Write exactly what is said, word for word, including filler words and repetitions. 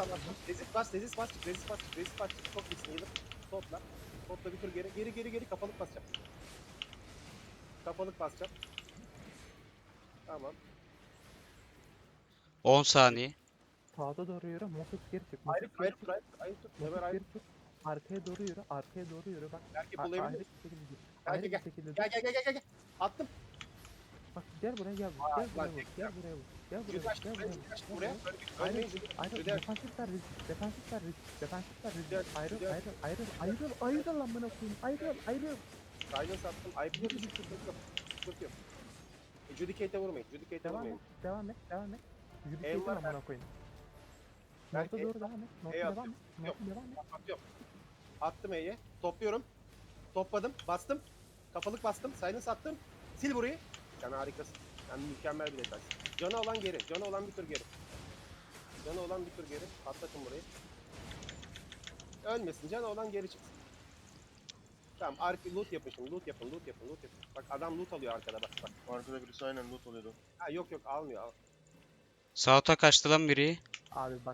Tamam. Rezist bas, rezist bas, çık, rezist bas, çık, rezist bas, çık. Çok iyisin, yılır. Topla. Topla bir tur geri, geri, geri, geri. Kafalık basacağım. Kafalık basacağım. Tamam. on saniye. Sağda doğru yürü. Mofus geri çık. Ayrı Mofus tur, geri ayrı çık. tur, ayrı tur, ayrı tur. Ömer Mofus ayrı geri çık. Arkaya doğru yürü. Arkaya doğru yürü. Bak. Belki a- bulabilir Ayrı bir misin? şekilde dur. Gel, Ayrı gel, bir gel. şekilde dur. Gel, gel, gel, gel, gel. Attım. Bak gel buraya gel. Aa, Gel buraya lan vur. tek Gel buraya vur. Gel buraya Jüdi vur. açtım, Gel ben buraya Jüdi vur. açtım Gel buraya. buraya vur. Böyle bir Ayrıl. ölmeyin Jüdi. Ayrıl. Jüdi aç. Defansifler risk. Defansifler risk. Defansifler risk. Jüdi aç. Ayrıl. Jüdi aç. Ayrıl. Ayrıl. Ayrıl. Ayrıl amına koyayım. Ayrıl. Ayrıl. Silence attım. Ayıplı bir sıkıntı yok. Sıkıntı yok. E, Judicate'e vurmayın. Judicate'e Devam et. vurmayın. Devam et. Devam et. Yürü Ev kesin var, amına koyayım. Belki Norta ev- doğru devam et. Norta ev devam atıyorum. et. Norta devam et. Atıyorum. Attım E'ye. Topluyorum. Topladım. Bastım. Kafalık bastım. Silence attım. Sil burayı. Yani harikasın. Yani mükemmel bir detay. Canı olan geri. Canı olan bir tur geri. Canı olan bir tur geri. Atlatın burayı. Ölmesin. Canı olan geri çıksın. Tamam. Arka loot yapın şimdi. Loot yapın. Loot yapın. Loot yapın. Bak adam loot alıyor arkada. Bak bak. Arkada birisi aynen loot oluyordu. Ha yok yok almıyor. Al. Sağ ota kaçtı lan biri. Abi bak.